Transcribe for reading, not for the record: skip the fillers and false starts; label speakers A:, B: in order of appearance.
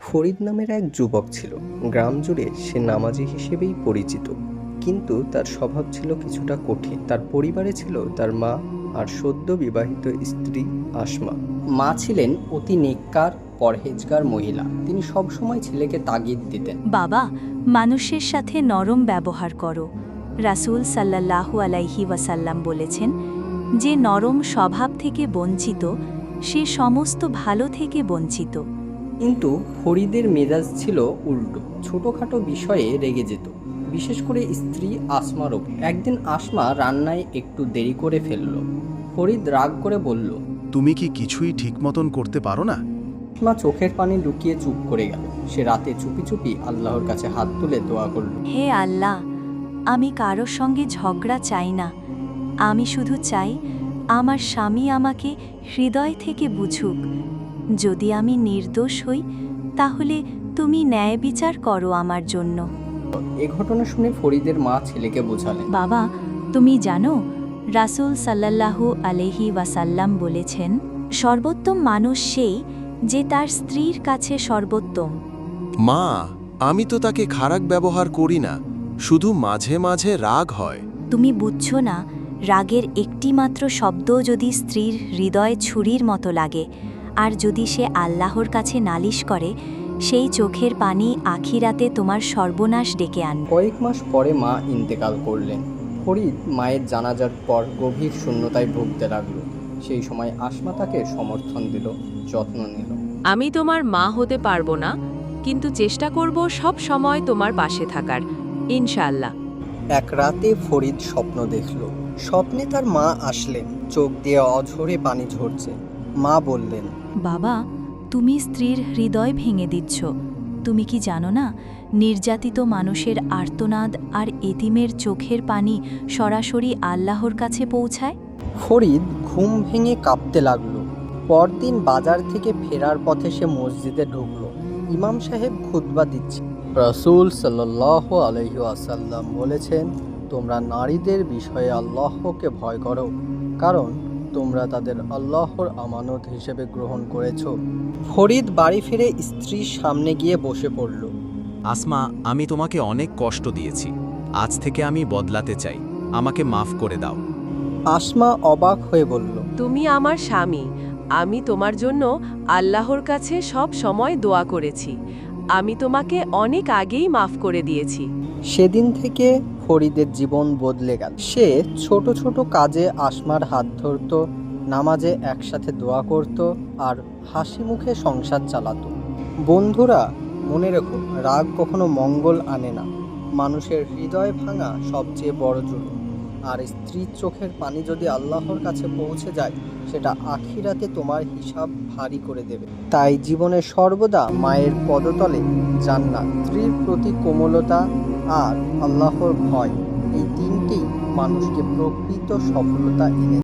A: ফরিদ নামের এক যুবক ছিল। গ্রাম জুড়ে সে নামাজি হিসেবেই পরিচিত, কিন্তু তার স্বভাব ছিল কিছুটা কঠিন। তার পরিবারে ছিল তার মা আর সদ্য বিবাহিত স্ত্রী আসমা। মা ছিলেন অতি নেককার পরহেজগার মহিলা। তিনি সবসময় ছেলেকে তাগিদ দিতেন,
B: বাবা, মানুষের সাথে নরম ব্যবহার করো। রাসূল সাল্লাল্লাহু আলাইহি ওয়াসাল্লাম বলেছেন, যে নরম স্বভাব থেকে বঞ্চিত সে সমস্ত ভালো থেকে বঞ্চিত।
A: কিন্তু ফরিদের মেজাজ ছিল উল্টো। ছোটখাটো বিষয়ে রেগে যেত, বিশেষ করে স্ত্রী আসমার ওপর। একদিন আসমা রান্নায় একটু দেরি করে ফেলল। ফরিদ রাগ করে বলল,
C: তুমি কি কিছুই ঠিক মতন করতে পারো না?
A: আসমা চোখের পানি লুকিয়ে চুপ করে গেল। সে রাতে চুপি চুপি আল্লাহর কাছে হাত তুলে দোয়া করল,
B: হে আল্লাহ, আমি কারোর সঙ্গে ঝগড়া চাই না। আমি শুধু চাই আমার স্বামী আমাকে হৃদয় থেকে বুঝুক। যদি আমি নির্দোষ হই তাহলে তুমি ন্যায় বিচার করো আমার জন্য।
A: এ ঘটনা শুনে ফরিদের মা ছেলেকে বোঝালেন,
B: বাবা, তুমি জানো রাসূল সাল্লাল্লাহু আলাইহি ওয়াসাল্লাম বলেছেন, সর্বোত্তম মানুষ সেই যে তার স্ত্রীর কাছে সর্বোত্তম।
C: মা, আমি তো তাকে খারাপ ব্যবহার করি না, শুধু মাঝে মাঝে রাগ হয়।
B: তুমি বুঝছো না, রাগের একটিমাত্র শব্দ যদি স্ত্রীর হৃদয়ে ছুরির মতো লাগে, আর যদি সে আল্লাহর কাছে নালিশ করে, সেই চোখের পানি আখিরাতে তোমার সর্বনাশ ডেকে আনবে।
A: কয়েক মাস পরে মা ইন্তেকাল করলেন। ফরিদ মায়ের জানাজার পর গভীর শূন্যতায় ভুগতে লাগলো। সেই সময় আসমা তাকে সমর্থন দিল, যত্ন নিল।
D: আমি তোমার মা হতে পারবো না, কিন্তু চেষ্টা করব সব সময় তোমার পাশে থাকার, ইনশাআল্লাহ।
A: এক রাতে ফরিদ স্বপ্ন দেখল। স্বপ্নে তার মা আসলেন, চোখ দিয়ে অঝরে পানি ঝরছে। মা বললেন,
B: বাবা, তুমি স্ত্রীর হৃদয় ভেঙে দিচ্ছ। তুমি কি জানো না, নির্যাতিত মানুষের আর্তনাদ আর এতিমের চোখের পানি সরাসরি আল্লাহর কাছে পৌঁছায়?
A: ফরিদ ঘুম ভেঙে কাঁপতে লাগলো। পরদিন বাজার থেকে ফেরার পথে সে মসজিদে ঢুকলো। ইমাম সাহেব খুতবা দিচ্ছে। রাসূল সাল্লাল্লাহু আলাইহি ওয়াসাল্লাম বলেছেন, তোমরা নারীদের বিষয়ে আল্লাহকে ভয় করো, কারণ তোমরা তাদের আল্লাহর আমানত হিসেবে গ্রহণ করেছো। ফরিদ বাড়ি ফিরে স্ত্রীর সামনে গিয়ে বসে পড়ল।
E: আসমা, আমি তোমাকে অনেক কষ্ট দিয়েছি। আজ থেকে আমি বদলাতে চাই। আমাকে মাফ করে দাও।
A: আসমা অবাক হয়ে বলল,
D: তুমি আমার স্বামী, আমি তোমার জন্য আল্লাহর কাছে সব সময় দোয়া করেছি। আমি তোমাকে অনেক আগেই মাফ করে দিয়েছি।
A: সেদিন থেকে ফরিদের জীবন বদলে গেল। সে ছোট ছোট কাজে আসমার হাত ধরত, নামাজে একসাথে দোয়া করত, আর হাসি মুখে সংসার চালাতো। বন্ধুরা, মনে রেখো, রাগ কখনো মঙ্গল আনে না। মানুষের হৃদয় ভাঙা সবচেয়ে বড় জুলুম। আর স্ত্রীর চোখের পানি যদি আল্লাহর কাছে পৌঁছে যায়, সেটা আখিরাতে তোমার হিসাব ভারী করে দেবে। তাই জীবনে সর্বদা মায়ের পদতলে জান্নাত, স্ত্রীর প্রতি কোমলতা আর আল্লাহর ভয়, এই তিনটি মানুষকে প্রকৃত সফলতা এনে